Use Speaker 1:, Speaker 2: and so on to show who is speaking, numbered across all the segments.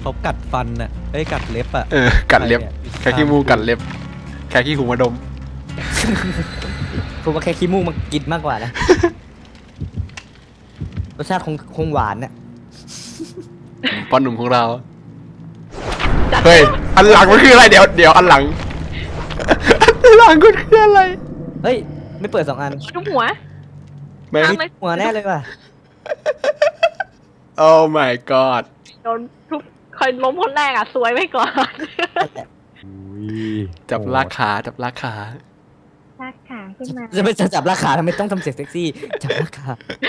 Speaker 1: เขากัดฟันน่ะเอ้ยกัดเล็บอ่ะ
Speaker 2: กัดเล็บแค่ขี้มูกกัดเล็บแค่ขี้หูมาดม
Speaker 3: ผมว่าแค่ขี้มูกมันกินมากกว่านะ รสชาติคงหวานน่ะ
Speaker 2: ป้อนหนุ่มของเราเฮ้ยอันหลังมันคืออะไรเดี๋ยวอันหลังอันหลังมันคืออะไร
Speaker 3: เฮ้ย ไม่เปิด2 อัน
Speaker 4: ทุบหัว
Speaker 2: แม่ง
Speaker 3: หัวแน่เลยว่ะ
Speaker 2: โอ้ my god
Speaker 4: โดนทุบคอยล้มคนแรกอ่ะสวยไว้ก่อน
Speaker 2: จับลากขาจับลากขา
Speaker 4: ลากขาขึ้นมา
Speaker 3: จะไปจับราคาทำไมต้องทำเสียงเซ็กซี่ จับราคา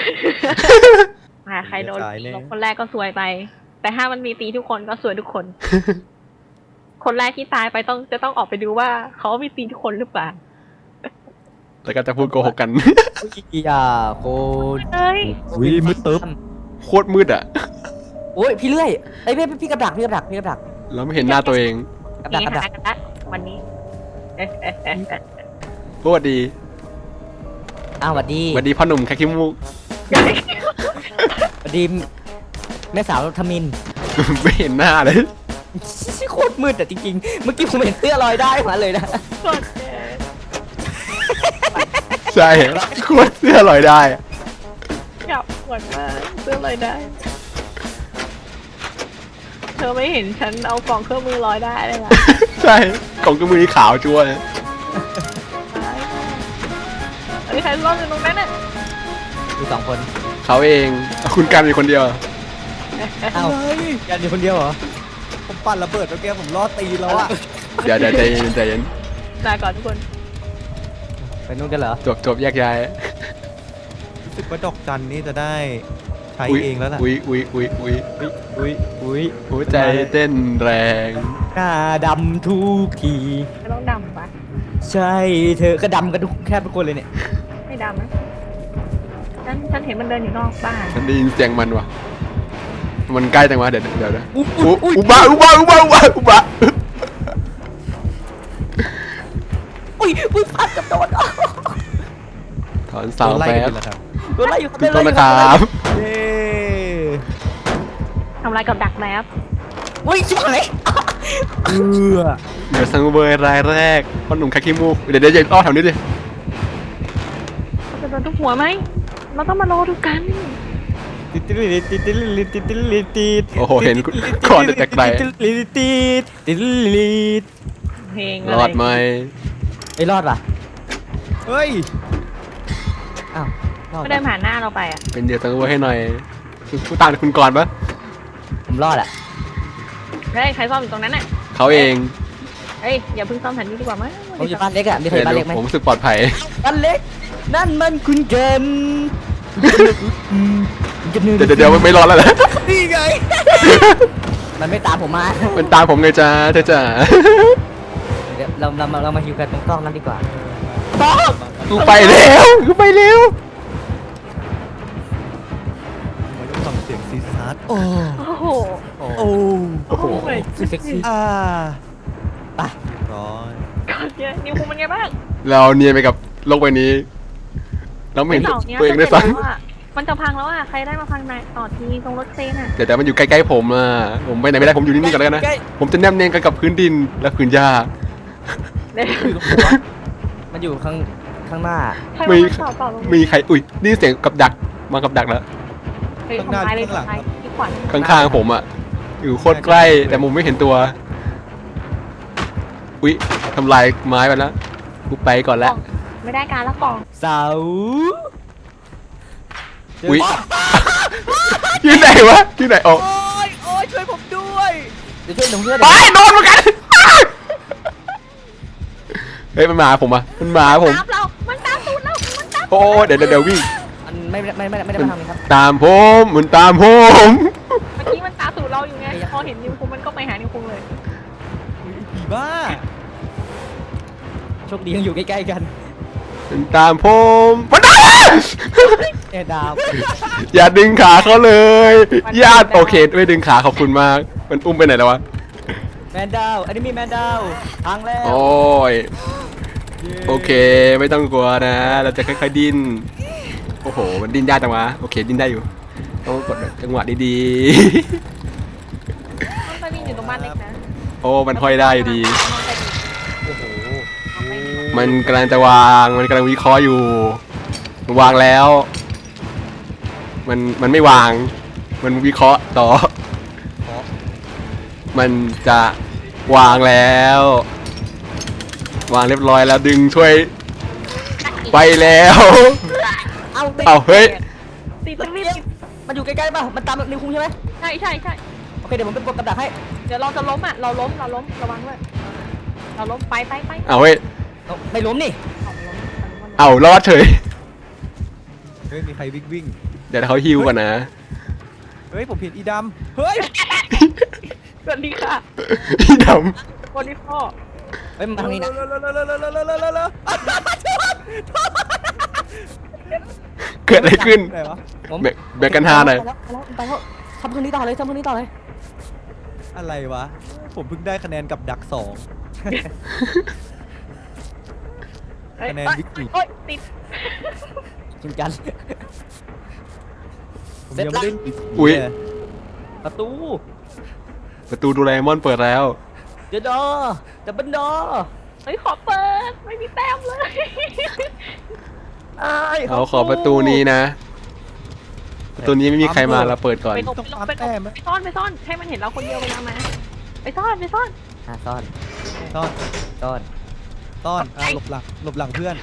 Speaker 4: ใครโดนล้มคนแรกก็สวยไป แต่ถ้ามันมีตีทุกคนก็สวยทุกคน คนแรกที่ตายไปจะต้องออกไปดูว่าเขามีตีทุกคนหรือเปล่า
Speaker 2: แล้วก็จะพูดโกหกกัน
Speaker 3: อย่าโคตร
Speaker 4: เฮ้ย
Speaker 1: วิมืดตึ๊บ
Speaker 2: โคตรมืดอ่ะ
Speaker 3: โอ้ยพี่เลื่อยไอ้ยพี่กระดัก
Speaker 2: แล้วไม่เห็นหน้าตัวเอง
Speaker 3: กับ
Speaker 4: มี
Speaker 3: ดัก
Speaker 4: หากันละวันนี้
Speaker 2: สวัสดี
Speaker 3: อ้าวสวัสดี
Speaker 2: สวัสดีพ่อหนุ่มแค่ขี้มูก
Speaker 3: สวัสดีแม่สาวทมิน
Speaker 2: ไม่เห็นหน้าเลย
Speaker 3: โคตรมืดแต่จริงๆ เมื่อกี้ผมเห็นเสื้อลอยได้มาเลยนะ
Speaker 4: กด
Speaker 2: ใช่โคตรเสื้อลอยได้
Speaker 4: จับหมดมากเสื้อลอยได้ เธอไม่เห็นฉันเอากล่องเครื่องมือลอยได้เลยล่ะ
Speaker 2: ใช่กล่องกระมือนี่ขาวจั่วเลย
Speaker 4: อันนี้ใครรอดอยู่ตรงนั้นน่ะ
Speaker 3: ดู2 คน
Speaker 2: เขาเองคุณกันมีคนเดียว
Speaker 3: อ้าว
Speaker 1: เฮ้ย
Speaker 3: ยันอยู่คนเดียวเหรอ
Speaker 1: ผมปั่นระเบิดเมื่อกี้ผมรอดตีแล้วอ่ะ
Speaker 2: เดี๋ยวใจเย็นใจเย็น
Speaker 4: ลาก่อนทุกคน
Speaker 3: ไปนู่นกันเหรอ
Speaker 2: จบแยกย้าย
Speaker 1: รู้สึกว่าดอกจันนี่จะได้ใช้เองแล้วล่ะ
Speaker 2: อุ้ย
Speaker 1: อุ้ย
Speaker 2: หัวใจเต้นแรง
Speaker 3: หน้าดำทุกที
Speaker 4: ไม่ต้องดำปะ
Speaker 3: ใช่เธอก็ดำกันแค่ทุกคนเลยเนี่ย
Speaker 4: ไม่ดำนะฉันเห็นมันเดินอยู่นอกบ้าน
Speaker 2: ฉันได้ยินเสียงมันว่ะมันใกล้จังวะเดี๋ยวนะ
Speaker 3: อุ๊ย
Speaker 2: อุบะ
Speaker 3: อุ้ยพลาดกับโดน
Speaker 2: ถอนเสา
Speaker 1: โดนไล่
Speaker 2: แป๊
Speaker 1: กับ นแล้วครับ
Speaker 3: โดนไล่อยู่
Speaker 2: ถูกต้องนะครับ
Speaker 1: เย้
Speaker 4: ทำลายกับดักแมพ
Speaker 3: อุ้ยชิบหาย
Speaker 2: เดี๋ยวซังเบอร์รายแรกพ่อหนุ่มคาคิมูกเดี๋ยวอย่าอ้อแถวนี้ดิ
Speaker 4: เราจะโดนทุกหัวไหมเราต้องมารอดูกัน
Speaker 3: ติดติดติดติดติดติดติดติด
Speaker 2: โอ้โหเห็นก่อนจากไกล
Speaker 3: ติดติดติดติด
Speaker 4: เพลง
Speaker 2: รอดไหม
Speaker 3: ไอ้รอดป่ะ
Speaker 1: เฮ้ย
Speaker 3: อ้าวรอด
Speaker 4: ก็เดินผ่านหน้าเราไปอ่ะ
Speaker 2: เป็นเดี๋ยวซังเบอร์ให้หน่อยผู้ตามคุณก่อนปะ
Speaker 3: ผมรอดอ่ะ
Speaker 4: เฮ้ยใครซ่อมอยู่ตรงนั้นน่ะ
Speaker 2: เขาเอง
Speaker 4: เฮ้ยอย่าเพิ่งซ่อมแผ่นนี้ดีกว่ามั้ง
Speaker 3: ผมอยู่บ้านเล็กอ่ะมีใคร
Speaker 2: เดี๋ยว
Speaker 3: บ้านเล็กไหม
Speaker 2: ผมรู้สึกปลอดภัย
Speaker 3: บ้านเล็กนั่นมันคุณเกิน
Speaker 2: เดี๋ยวไม่รอดแล้วนะ
Speaker 3: นี่ไงมันไม่ตามผมมา
Speaker 2: มันตามผมไงจ้าเธอจ๋า
Speaker 3: เดี๋ยวเรามาฮิวกันตรงกล้องนั้นดีกว่า
Speaker 2: กูไปแล้วกูไปแล้ว
Speaker 1: มาดูฟังเสียงซีซัส
Speaker 3: โอ้
Speaker 4: โอ้โห
Speaker 1: โอ้
Speaker 3: โอ้
Speaker 2: โอ้โห
Speaker 3: เซ็กซี่
Speaker 1: อ่า
Speaker 3: ไป
Speaker 1: ร้อย
Speaker 4: ก่อนเนี่ยนิวคุงเป็นไงบ้าง
Speaker 2: เราเนียนไปกับโลกใบนี้เราไม่เห็น
Speaker 4: เสาเนี้ย
Speaker 2: ตัวเองด้วย
Speaker 4: จะ
Speaker 2: ซ้
Speaker 4: เห็นแล้วอะมันจะพังแล้วอ่ะใครได้มาพังในต่อทีตรงรถเซนอ่ะ
Speaker 2: ำแต่มันอยู่ใกล้ๆผมอ่ะผมไปไหนไม่ได้ผมอยู่นิ่งๆก่อนแล้วกันนะ
Speaker 3: ใกล้
Speaker 2: ผมจะแนบเนียนกันกับพื้นดินและพื้นหญ้า
Speaker 4: เดี๋ยว
Speaker 3: อยู่ตรงหัวมันอยู่ข้างหน้า
Speaker 4: ใครมาพังต่อต่อลง
Speaker 2: มีใครอุ้ยนี่เสียงกับดักมากับดักแล้ว
Speaker 4: เฮ้ยทำลายเลยทำลายที่ขวัญ
Speaker 2: ข้างๆผมอ่ะอยู่โคตรใกล้แต่มุมไม่เห็นตัวอุ้ยทำลายไม้ไปแล้วกูไปก่อนแล้ว
Speaker 4: ไม่ได้การละกล่อง
Speaker 3: เสา
Speaker 2: อุ้ยอยู่ไหนวะอยู่ไหนโอ้
Speaker 1: โอ้ยช่วยผมด้วย
Speaker 3: เดี๋ยวช่วยหนุ่มเพื่อน
Speaker 2: ไปโดนเหมือนกันเฮ้ยมันมาหาผมอ่ะมันมาหาผม
Speaker 4: ตามเรา มันตามตูดเรา มันตาม
Speaker 2: โอ้เดี๋ยววิ่ง
Speaker 3: มันไม่ได้มาทำเลยครับ
Speaker 2: ตามผมมันตามผม
Speaker 4: เมื่อกี้มันตามตูดเราอยู่ไง พอเห็นนิวคุงมันก็ไปหานิวคุงเลย
Speaker 1: ผีบ้า
Speaker 3: โชคดียังอยู่ใกล้ๆกัน
Speaker 2: มันตามผมมันได้
Speaker 3: แอดาว
Speaker 2: อย่าดึงขาเขาเลยญาติโอเคไม่ดึงขาขอบคุณมากมันอุ้มไปไหนแล้ววะ
Speaker 3: แมนดาวอันนี้มีแมนดาวพังแล้ว
Speaker 2: โอ้ยโอเคไม่ต้องกลัวนะเราจะค่อยๆดิ้นโอ้โหมันดิ้นยากจังวะโอเคดิ้นได้อยู่ต้องกดจังหวะดี
Speaker 4: มันเป็น
Speaker 2: โอ้มันห้อยได้อยู่ดี
Speaker 3: โอ้โห
Speaker 2: มันกำลังจะวางมันกำลังวิเคราะห์อยู่มันวางแล้ว มันไม่วาง มันวิเคราะห์ต่อ มันจะวางแล้ว วางเรียบร้อยแล้วดึงช่วยไปแล้ว
Speaker 3: เอาติด
Speaker 2: เอาเฮ้ย
Speaker 4: ติดติด
Speaker 3: มันอยู่ใกล้ๆป่ะมันตามนิวคุงใช่ไหม
Speaker 4: ใช่ใช่ใช่
Speaker 3: โอเคเดี๋ยวผมเป็นกดกับดักให้
Speaker 4: เดี๋ยวเราจะล้มอ่ะเราล้มระวังด้วยเราล้มไป
Speaker 2: เอาเฮ้ย
Speaker 3: เอาไม่ล้มนี่
Speaker 2: เอารอดเฉย
Speaker 1: เฮ้ยมีใครวิ่ง
Speaker 2: เดี๋ยวเขาฮิวก่อนนะ
Speaker 1: เฮ้ยผมเห็นอีดำเฮ้ย
Speaker 4: สวัสดีค่ะ
Speaker 2: พี่ด
Speaker 4: วันนี้พ่อ
Speaker 3: เฮ้ยมาทางนี้นะ
Speaker 2: ำเกิดอะไรขึ้น
Speaker 1: ไหนวะ
Speaker 3: ผม
Speaker 2: แบ่งกันหาหน่อย
Speaker 3: ไปแล้วทำคืนนี้ต่อเลยทำคืนนี้ต่อเลย
Speaker 1: อะไรวะผมเพิ่งได้คะแนนกับดัก2 คะแนนวิกฤต
Speaker 4: โอ๊ยติด
Speaker 3: กินกัน
Speaker 1: ผมยังไม่ได้
Speaker 2: อุ๊ย
Speaker 3: ประตู
Speaker 2: ประตูโดูแลมอนเปิดแล้ว
Speaker 3: เดี๋ยวดอดับเบิลดอ
Speaker 4: เฮ้ยขอเปิดไม่มีแต้มเลย
Speaker 2: เอาขอประตูนี้นะ ประตูนี้ไม่มีใครมาเราเปิดก่อน
Speaker 4: ไปหลบไปซ่อนให้มันเห็นเราคนเดียวเวลามาไปซ่อน
Speaker 3: ซ่อน
Speaker 1: ซ่อน
Speaker 3: ซ่อน
Speaker 1: ซ่อนหลบหลังเพื่อน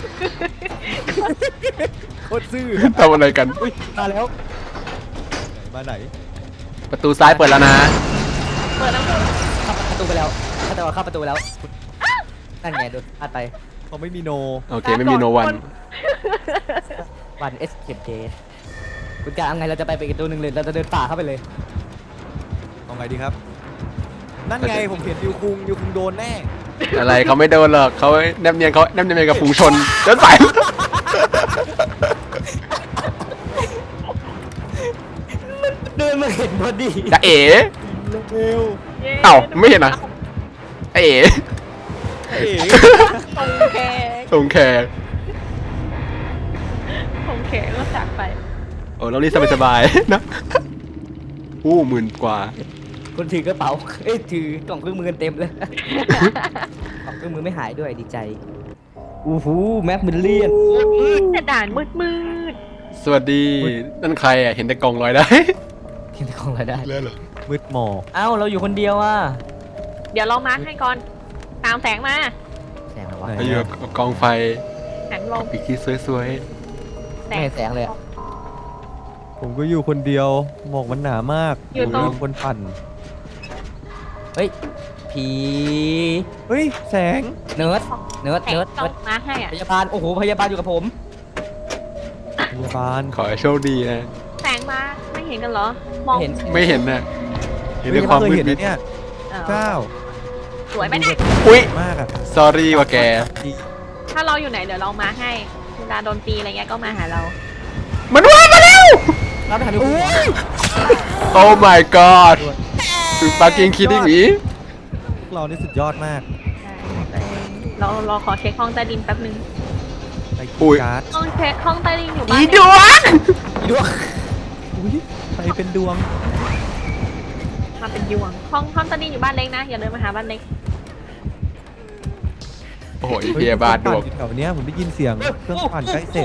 Speaker 1: โคตรซื่อ
Speaker 2: ทำอะไรกัน
Speaker 1: อุ้ยมาแล้วมาไหน
Speaker 2: ประตูซ้ายเปิดแล้วนะ
Speaker 4: เปิดแล้ว
Speaker 3: เข้าประตูไปแล้วเข้าประตูไปแล้วนั่นไงโดนพลาดไป
Speaker 1: เขาไม่มีโน
Speaker 2: โอเคไม่มีโนวัน
Speaker 3: วันเอสเคปเดย์คุณการเอาไงเราจะไปอีกตัวหนึ่งเลยเราจะเดินป่าเข้าไปเลย
Speaker 1: เอาไงดีครับ นั่นไงผมเห็นยูคุงโดนแน่
Speaker 2: อะไรเขาไม่โดนหรอกเขาแนบเนียนกับฝูงชนเดินสาย
Speaker 3: เดินมาเห็นพอดี
Speaker 2: จะเอ๋
Speaker 1: เร็ว
Speaker 2: เอ้าไม่เห็นนะเอ๋
Speaker 1: เอ๋
Speaker 4: ตรงแขก
Speaker 2: ตรงแขก
Speaker 4: ก็จากไป
Speaker 2: โอ้แล้วนี่สบายๆนะอู้10,000 กว่า
Speaker 3: คนถือกระเป๋าถือกล่องเครื่องมือกันเต็มเลย กล่องเครื่องมือไม่หายด้วยดีใจอู้หูแม็กมิลเลียน
Speaker 4: แต่ด่านมืด
Speaker 2: สวัสดีนั่นใครอ่ะเห็นแต่กล่องลอยได้
Speaker 3: กินแต่ของอะไรได้
Speaker 2: เล่นเหรอ
Speaker 1: มืดหมอก
Speaker 3: เอ้าเราอยู่คนเดียวอ่ะ
Speaker 4: เดี๋ยวเรามาร์คให้ก่อน ตามแสงมา
Speaker 3: แสงอะไรวะ
Speaker 2: ไปอยู่กับกองไฟ
Speaker 4: แสงลม
Speaker 2: ปีกที่สวย
Speaker 3: ไม่เห็นแสงเลยอะ
Speaker 1: ผมก็อยู่คนเดียวหมอกมันหนามาก
Speaker 4: อยู่ตรง
Speaker 1: มีคนปั่น
Speaker 3: เฮ้ยผี
Speaker 1: เฮ้ยแสง
Speaker 3: เนิร์ด
Speaker 4: แสงต้องมาร์คให้อ่ะ
Speaker 3: พยาบาลโอ้โหพยาบาลอยู่กับผม
Speaker 1: พยาบาล
Speaker 2: ๆขอให้โชคดีนะ
Speaker 4: แสงมาไม่เห็นกันเหรอ มอง
Speaker 3: เห็น
Speaker 2: ไม่เห็นนะเห็นด้วยความ
Speaker 1: เคย
Speaker 2: มืด
Speaker 1: เห็น
Speaker 2: มิด
Speaker 1: นะเนี่ย
Speaker 4: เออ
Speaker 1: เจ้า
Speaker 4: สวยไหมเนี่ย
Speaker 2: อุ้ย
Speaker 1: มากอะ
Speaker 2: sorry ว่าแก
Speaker 4: ถ้าเราอยู่ไหนเดี๋ยวเรามาร์คให้เวลาโดนตีอะไรเงี้ยก็มาหาเรา
Speaker 2: มันว่ามาแล้ว
Speaker 3: เราไปหาดูคุณหมอ
Speaker 2: Oh my god fucking kidding me
Speaker 1: พวกเรานี่สุดยอดมาก
Speaker 4: เราขอเช็คห้องใต้ดินแป๊บนึง
Speaker 1: ไป
Speaker 2: อุ้ย
Speaker 1: การ์ด
Speaker 4: ห้องเช็คห้องใต้ดินอยู่บ้า
Speaker 2: อี
Speaker 4: น
Speaker 2: ดวง
Speaker 3: ดวง
Speaker 1: อุ้ยไปเป็นดวง
Speaker 4: มาเป็นยวงห้องใต้ดินอยู่บ้านเล็กนะอย่าเดินมาหาบ้านเล็ก
Speaker 2: โอ้โหเพียบาทดวง
Speaker 1: แถวเนี้ยผมได้ยินเสียงเครื่องปั่นใกล้เสร็จ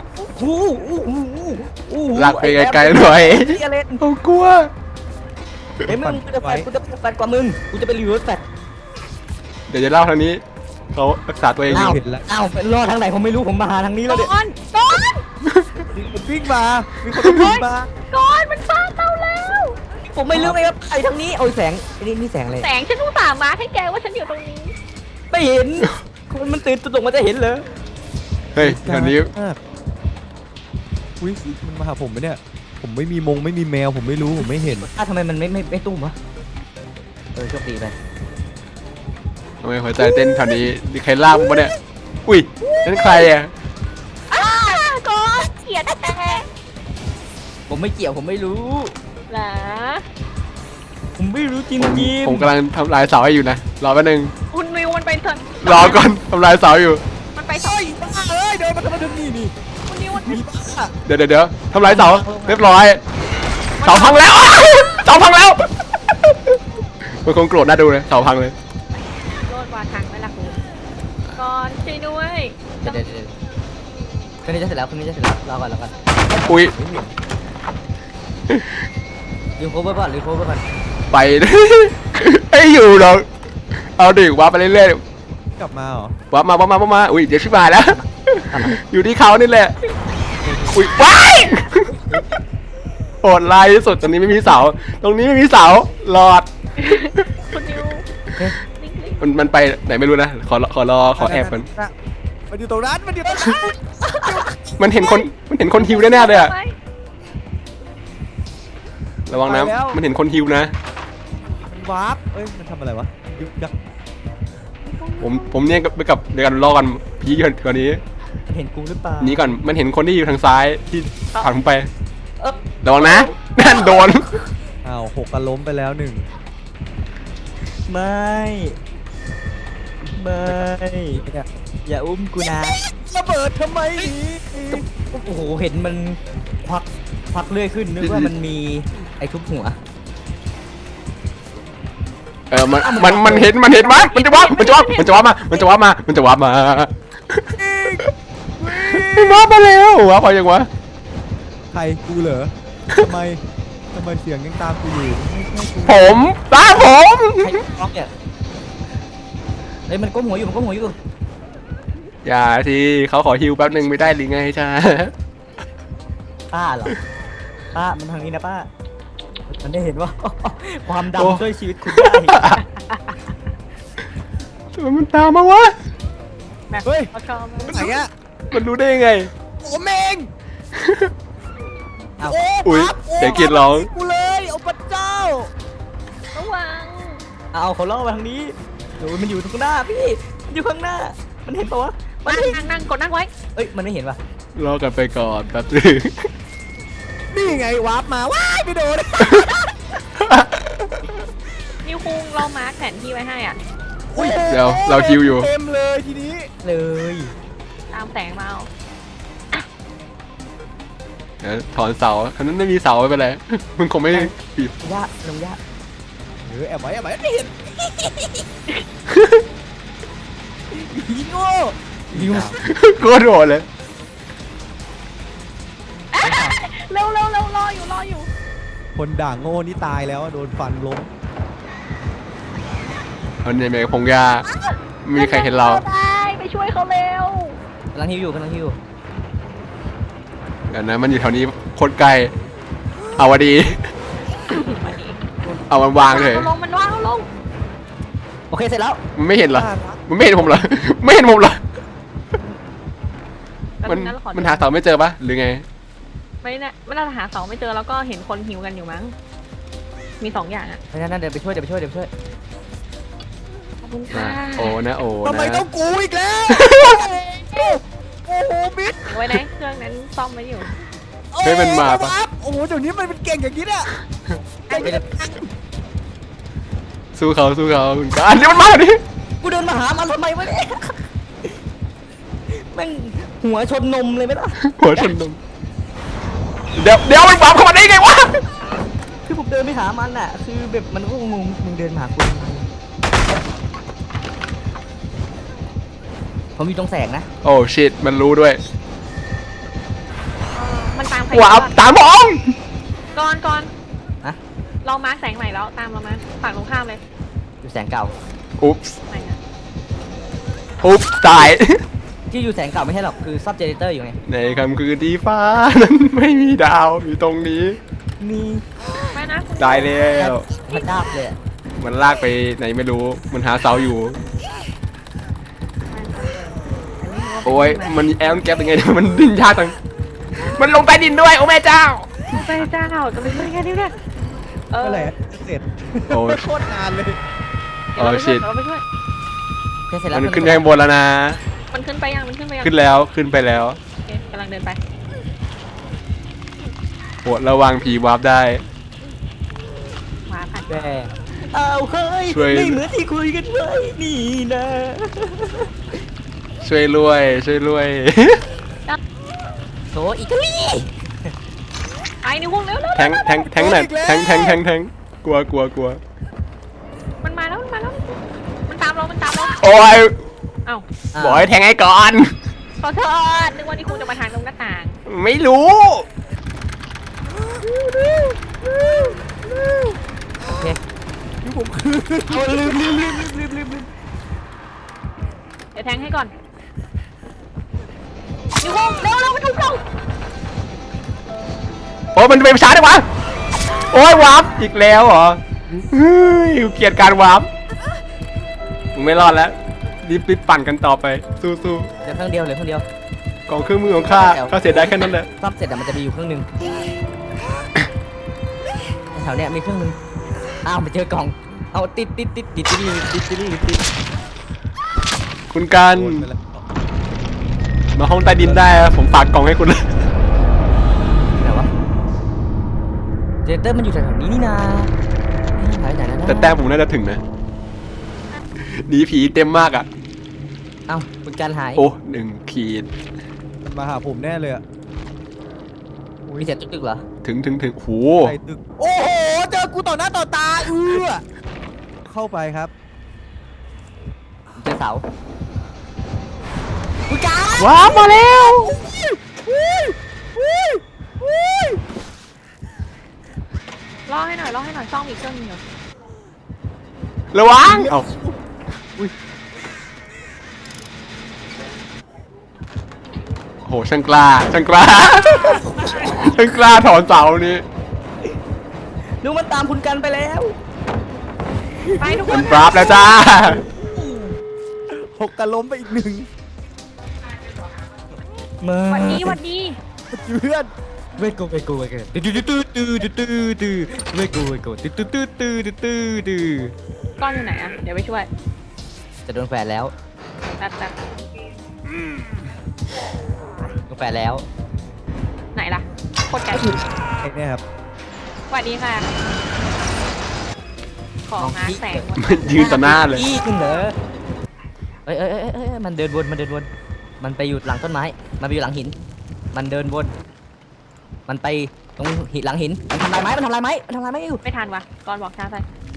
Speaker 2: ลากไปไกลๆหน่อย
Speaker 3: เอเลน
Speaker 2: เขากลัว
Speaker 3: เฮ้ยมึงกูจะแฟดกว่ามึงกูจะเป็นรีเวิร์สแฟด
Speaker 2: เดี๋ยวจะเล่าทางนี้เขารักษาตัวเองอยู่
Speaker 1: เห็นแล้ว
Speaker 3: อ้าวเป็นรอดทางไหนผมไม่รู้ผมมาหาทางนี้แล้วเนี่ย
Speaker 4: ก้อน
Speaker 1: มีคนวิ่งมามีคนวิ่งมา
Speaker 4: ก้อนมันซ่าเตาแล้ว
Speaker 3: ผมไม่รู้เลยครับไอ้ทางนี้โอ้ยแสงไอ้นี่แสงอะไร
Speaker 4: แสงฉันต้องสามมาร์คให้แกว่าฉันอยู่ตรงนี้
Speaker 3: ไม่เห็นคนมันตื่นตกมันจะเห็นเหรอ
Speaker 2: เฮ้ยแถวนี้
Speaker 1: มากอุ้ยมันมาหาผมไหมเนี่ย ผมไม่มีไม่มีแมวผมไม่รู้ผมไม่เห็น
Speaker 3: ทำไมมันไม่ตุ้มวะโชคดีไป
Speaker 2: ทำไมหัวใจเต้นแถวนี้มีใครลากผมปะเนี่ยอุ้ยนั่นใครอ่ะ
Speaker 4: ก้อนเกลียดแต่
Speaker 3: ผมไม่เกี่ยวผมไม่รู้
Speaker 4: หรอ
Speaker 3: ผมไม่รู้จริง
Speaker 2: ผมกำลังทำลายเสาให้อยู่นะรอแป๊บนึง
Speaker 4: คุณนิวมันไปเถอะ
Speaker 2: รอก่อนทำลายเสาอยู่
Speaker 4: มันไปเถอะ
Speaker 1: เอ้ยเดินมาทำไมถึงนี่
Speaker 4: คุณนิวมัน
Speaker 1: มีบ้า
Speaker 2: เดี๋ยวทำลายเสาเรียบร้อยเสาพังแล้ว เสาพังแล้วมันคงโกรธน่าดูเลยเสาพังเลย
Speaker 4: ด้วย
Speaker 3: เดี๋ยวเครื่องนี้จะเสร็จแล้วเครื่องนี้จะเสร็จแล้วรอก่อนรอก่อน
Speaker 2: อุ้ย
Speaker 3: ลืมโคเวอร์ก่อนลืมโคเวอร์ก่อน
Speaker 2: ไป ไอ้อยู่หรอกเอาดิวาร์ปไปเรื่อย
Speaker 1: กลับมาเหรอ
Speaker 2: ๆวาร์ปมาอุ้ยเดี๋ยวชิบหายแล้ว อยู่ที่เขานี่แหละอุ้ยว้ายโหดร้ายที่สุดตรงนี้ไม่มีเสาตรงนี้ไม่มีเสาหลอด
Speaker 4: คุณนิว
Speaker 3: เฮ้ย
Speaker 4: นิ่ง
Speaker 2: มันไปไหนไม่รู้นะขอแอบมัน
Speaker 1: มันอยู่ตรงนั้นมันอยู่ตรงนั้น
Speaker 2: มันเห็นคนฮิวแน่ๆเลยอะ
Speaker 4: ไป
Speaker 2: ระวังนะมันเห็นคนฮิวนะ
Speaker 1: มันวาร์ปเอ้ยมันทำอะไรวะยุกยัก
Speaker 2: ผมเนี่ยไปกับเดี๋ยวกันรอกันพีก่อนนี้
Speaker 3: เห็นกูหรือเปล่า
Speaker 2: นี้ก่อนมันเห็นคนที่อยู่ทางซ้ายที่ผ่านผมไป
Speaker 3: เอ๊ะ
Speaker 2: ระวังนะนั่นโดน
Speaker 1: อ้าวหกกันล้มไปแล้วหนึ่ง
Speaker 3: ไม่อย่าอุ้มกูนะ
Speaker 1: ระเบิดทำไมนี่
Speaker 3: โอ้โหเห็นมันควักเลื่อยขึ้นนึกว่ามันมีไอ้ทุบหัว
Speaker 2: มันเห็นมั้ยมันจะว่ามามาแล้ววะพอยังวะ
Speaker 1: ใครกูเหรอทำไมเสียงยังตามกูอยู่ไม่ใช่กู
Speaker 2: ผมตามผม
Speaker 3: ใครบล็อกเนี่ยเฮ้ยมันก้มหัวอยู่มันก้มหัวอยู่
Speaker 2: อย่าทีเขาขอฮิวแป๊บนึงไม่ได้หรือไงจ้า
Speaker 3: ป้าเหรอป้ามันทางนี้นะป้ามันได้เห็นว่า ความดำช่วยชีวิตคุณได้
Speaker 2: มันตามมาวะ
Speaker 4: ๆแบบ
Speaker 1: เฮ้ย
Speaker 4: เขาชอบ
Speaker 1: ไหนอะ
Speaker 2: มันรู้ได้ยังไง
Speaker 1: ผมเอง
Speaker 3: เอา
Speaker 2: อุ๊ย
Speaker 1: ปั๊บ
Speaker 2: เดี๋ยวกรีดร้อง
Speaker 1: กูเลยเอาพระเจ้า
Speaker 4: ระวัง
Speaker 3: เอาเขาล่อมาทางนี้โอ้ยมันอยู่ตรงหน้าพี่มันอยู่ข้างหน้า มันเห็นปะวะมัน
Speaker 4: นั่
Speaker 3: ไม่เห็น
Speaker 4: งกดนั่งไว้
Speaker 3: เอ้ยมันไม่เห็นปะ
Speaker 2: รอกันไปก่อนแป๊บนึง
Speaker 1: นี่ไงวาร์ปมาว้ายไม่โดน
Speaker 4: นิวคุงเรามาร์คแผนที่ไว้ให้อ่ะ
Speaker 2: เดี๋ยวเราฮิวอยู่
Speaker 1: เต็มเลยทีนี้
Speaker 3: เลย
Speaker 4: ตามแสงมาเอา
Speaker 2: เดี๋ยวถอนเสาอันนั้นไม่มีเสาไม่เป็นไรมึงคงไม่ปีบ
Speaker 3: ย่าลงย่า
Speaker 1: แอบไว้ไม่เห็นผีโง่
Speaker 3: ยิว
Speaker 2: ก็โดนเลย
Speaker 4: เร็วรออยู่
Speaker 1: คนด่างโง่นี่ตายแล้วโดนฟันล้ม
Speaker 2: เอาเนี่ยแม่พงยาไม่มีใครเห็นเรา
Speaker 4: ได้ไปช่วยเขาเร็ว
Speaker 3: กำลังฮิวอยู่กำลังฮิว
Speaker 2: เดี๋ยวนะมันอยู่แถวนี้โคตรไกลเอาวะดี เอามันวางเลย
Speaker 4: มันวางลง
Speaker 3: โอเคเสร็จแล้ว
Speaker 2: มันไม่เห็นเหรอมันไม่เห็นผมเหรอไม่เห็นผมเหรอมันหาเสาไม่เจอปะหรือไง
Speaker 4: ไม่น่าจะหาเสาไม่เจอแล้วก็เห็นคนหิวกันอยู่มั้งมี2อย่างอ่ะ
Speaker 3: เพราะฉะนั้นเดี๋ยวไปช่วยเดี๋ยวไปช่วย
Speaker 4: ขอบคุณค่ะ
Speaker 2: โอ้นะโอ้
Speaker 1: ทำไม
Speaker 2: นะ
Speaker 1: ต้องกูอีกแล้วโอ้โหมิด
Speaker 4: ไว้นะเครื่องนั้นซ่อมไว้อยู่
Speaker 2: เฮ้ยมันมาปะ
Speaker 1: โอ้โหเดี๋ยวนี้มันเป็นเก่งอย่างนี้เนี่ยเก่งอย่างนี้
Speaker 2: สู้เขาคุณการนี่มันมาดิ
Speaker 3: กูเดินมาหามันทำไมวะเนี่ยแม่งหัวชนนมเลยไหมล่ะ
Speaker 2: หัวชนนมเดี๋ยวมันปั๊มเข้ามาได้ไงวะ
Speaker 3: คือผมเดินไปหามันอ่ะ คือแบบมันก็งงมึงเดินมาหากูทำไมผมอยู่ตรงแสงนะ
Speaker 2: โอ้ชิตมันรู้ด้วย
Speaker 4: มันตามใคร
Speaker 2: ว้าวตามผม
Speaker 4: ก่อน
Speaker 3: นะ
Speaker 4: เรามาร์คแสงใหม่แล้วตามเรามาฝั่งตรงข้ามเลย
Speaker 3: อยู่แสงเก่า
Speaker 2: อุ๊บ
Speaker 4: ไหนนะ
Speaker 2: ตาย
Speaker 3: ที่อยู่แสงเก่าไม่ใช่หรอก คือซับเจเนเรเตอร์อยู่ไง
Speaker 2: ในค่ำคืนที่ฟ้านั้นไม่มีดาวอยู่ตรงนี้
Speaker 3: มี
Speaker 4: ไม่นะคุณ
Speaker 2: ตายแล้ว
Speaker 3: พระดาบเลยอะ
Speaker 2: มันลากไปไหนไม่รู้ มันหาเสาอยู่ โอ้ย มันแอลแก๊ปยังไงเนี่ยมันดิ้นยากจัง มันลงใต้ดินด้วย โอ้แม่เจ้า
Speaker 4: ไปเจ้าจะไปช่วยแค่นี้เนี่ย
Speaker 1: เมื่อไหร่จะเสร็จ
Speaker 2: โอ้
Speaker 1: โคตรนานเลย
Speaker 2: โอ้ชิต
Speaker 4: เราไปช่วย
Speaker 3: โอเคเสร็จแล้ว
Speaker 2: มันขึ้นไปข้างบนแล้วนะ
Speaker 4: มันขึ้นไปยัง
Speaker 2: ขึ้นแล้วขึ้นไปแล้ว
Speaker 4: โอเคกำลังเดินไป
Speaker 2: โหระวังผีวาร์ปได้
Speaker 4: มาผ่าน
Speaker 3: แกเอาเฮ้ย
Speaker 2: ช่วย
Speaker 3: ไม่เหมือนที่คุยกันไว้นี่นะ
Speaker 2: ช่วยรวย
Speaker 3: โถอิตาลี
Speaker 4: ไอ้นิ้วหุ้งเร็ว
Speaker 2: แทงหน่อยแทงกลัว
Speaker 4: มันมาแล้วมันตามเรา
Speaker 2: โอ้ย
Speaker 4: เอ้า
Speaker 2: บอกให้แทงให้ก่อน
Speaker 4: ขอโทษนึกว่านี่คุณจะมาทางตรงหน้าต่าง
Speaker 2: ไม่รู้
Speaker 3: โอเค
Speaker 1: ที่ผมคือ
Speaker 3: เอาลืม
Speaker 4: เดี๋ยวแทงให้ก่อนนิวคงเร็วมาถูกต้อง
Speaker 2: โอ้มันไปช้าได้วะโอ้ยวาร์ปอีกแล้วเหรอเฮ้ยเกลียดการวาร์ปมึงไม่รอดแล้วรีบปั่นกันต่อไปสู้
Speaker 3: เหลือเครื่องเดียว
Speaker 2: ๆกองเครื่องมือของข้าเสียได้แค่นั้นแหละ
Speaker 3: ซ่อมเสร็จแต่มันจะมีอยู่เครื่องหนึงแถวเนี้ยมีเครื่องหนึงอ้าวไปเจอกล่องเอาติด
Speaker 2: คุณการ
Speaker 1: โดนไปแล้ว
Speaker 2: มาห้องใต้ดินได้อะผมฝากกล่องให้คุณ
Speaker 3: ไหนวะเจเตอร์มันอยู่แถวๆนี้นี่นาไหนนะ
Speaker 2: แต่แต้มผมน่าจะถึงนะหนีผีเต็มมากอ่ะ
Speaker 3: เอ้าคุณการหาย
Speaker 2: โอ้1 ขีด
Speaker 1: มันมาหาผมแน่เลยอะ
Speaker 3: มีเสียงตึกๆเหรอ
Speaker 2: ถึงโห
Speaker 1: ใส่ตึกโอ้โหเจอกูต่อหน้าต่อตาเข้าไปครับ
Speaker 3: เจอเสาคุณการ
Speaker 2: ว้าวมาแล้ว
Speaker 4: รอให้หน่อยซ่อมอีกเครื่องหนึงเดี๋ยว
Speaker 2: ระวังเอ้าโหช่างกล้า ช่างกล้าถอนเสานี้
Speaker 3: ดูมันตามคุณกันไปแล้ว
Speaker 4: ไปทุกค
Speaker 2: มัน นปราบแล้วจ้า
Speaker 1: หกกระล้มไปอีกหนึ่ง
Speaker 3: มา
Speaker 4: วันนี้
Speaker 1: เพื่อน
Speaker 3: เวโกตื้อเวโกตื้อ
Speaker 4: ก้อนอยู่ไหนอะเดี๋ยวไปช่วย
Speaker 3: จะโดนแฝดแล้ว
Speaker 4: แป๊บ
Speaker 3: โดนแฝดแล้ว
Speaker 4: ไหนล่ะโคตรไกล
Speaker 1: ไอ้เนี่ยครับ
Speaker 4: สวัสดีค่ะ ของหาแสงหมด
Speaker 2: มันยืนต่อหน้าเลย
Speaker 3: อีกเหรอเอ้ยมันเดินวนมันไปอยู่หลังต้นไม้มันไปอยู่หลังหิน มันเดินวนมันไปตรงหินหลังหินมันทำลายไม้อยู่
Speaker 4: ไม่ทันวะก่อนบอกช้าไป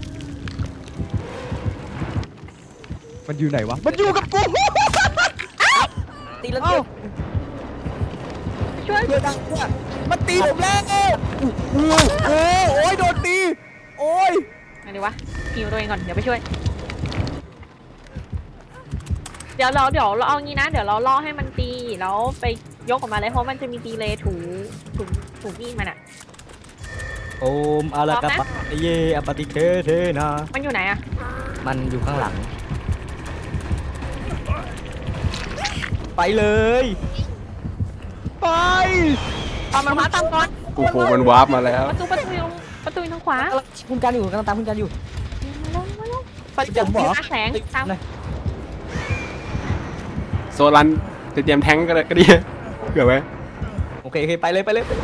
Speaker 1: มันอยู่ไหนวะมันอยู่กับกู
Speaker 3: ตีแล้ว
Speaker 1: เอ้า
Speaker 4: ช่วย
Speaker 1: เพื่อนดังเนี่ยมันตีผมแล้วโอ้ยโดนตีโอ้ย
Speaker 4: ไงดีวะหิวตัวเองก่อนเดี๋ยวไปช่วย เดี๋ยวเราเอางี้นะ เดี๋ยวเราล่อให้มันตีแล้วไปยกออกมาเลยเพราะมันจะมีดีเลย์ถูมีดมันอะ
Speaker 3: โอมอาลากาปะเยอปฏิเทเทนา
Speaker 4: มันอยู่ไหนอะ
Speaker 3: มันอยู่ข้างหลัง ไปเลย
Speaker 1: ไป
Speaker 4: ตอนมันมาตามก่อน
Speaker 2: โอ้โหมันวาร์ปมาแล้ว
Speaker 4: ประตูอยู่ทางขวา
Speaker 3: คุณกันอยู่กำลังตามคุณกันอยู่
Speaker 4: มาลงประตูหาแสงตาม
Speaker 2: โซลันจะเตรียมแท้งก็ดีเผื่อไว้
Speaker 3: โอเคไปเลย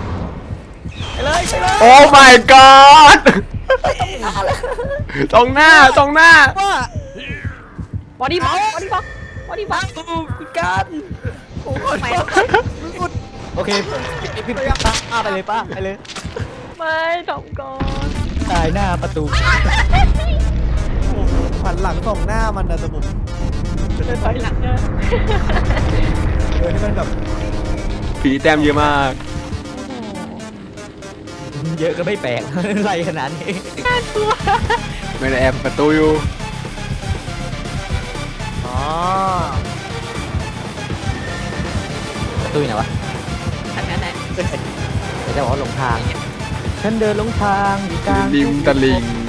Speaker 2: โอ้ my god ตรงหน้า
Speaker 1: ว่า
Speaker 4: บอดี้บ็อก
Speaker 3: คุณกัน
Speaker 1: โอ้ย
Speaker 4: ไป
Speaker 1: มึงอุด
Speaker 3: โอเคพี่ป้าไปเลยป้าไปเลย
Speaker 4: ไม่ทำก่อน
Speaker 3: ตายหน้าประตู
Speaker 1: หันหลังส่องหน้ามันนะแต่ผม
Speaker 4: เดินถอยหลังเนอะ
Speaker 1: นี่มันแบบ
Speaker 2: ผีแต้มเยอะมาก
Speaker 3: เยอะก็ไม่แปลก อะไรขนาดนี้
Speaker 2: ไม่ได้แอบประตูอยู่
Speaker 1: อ๋อ
Speaker 3: ประตูอยู่ไหนวะ
Speaker 4: อันนั้นแหละ
Speaker 3: เดี๋ยวจะบอกว่าหลงทาง ฉันเดินหลงทางอยู่กลาง
Speaker 2: ริมตลิ่ง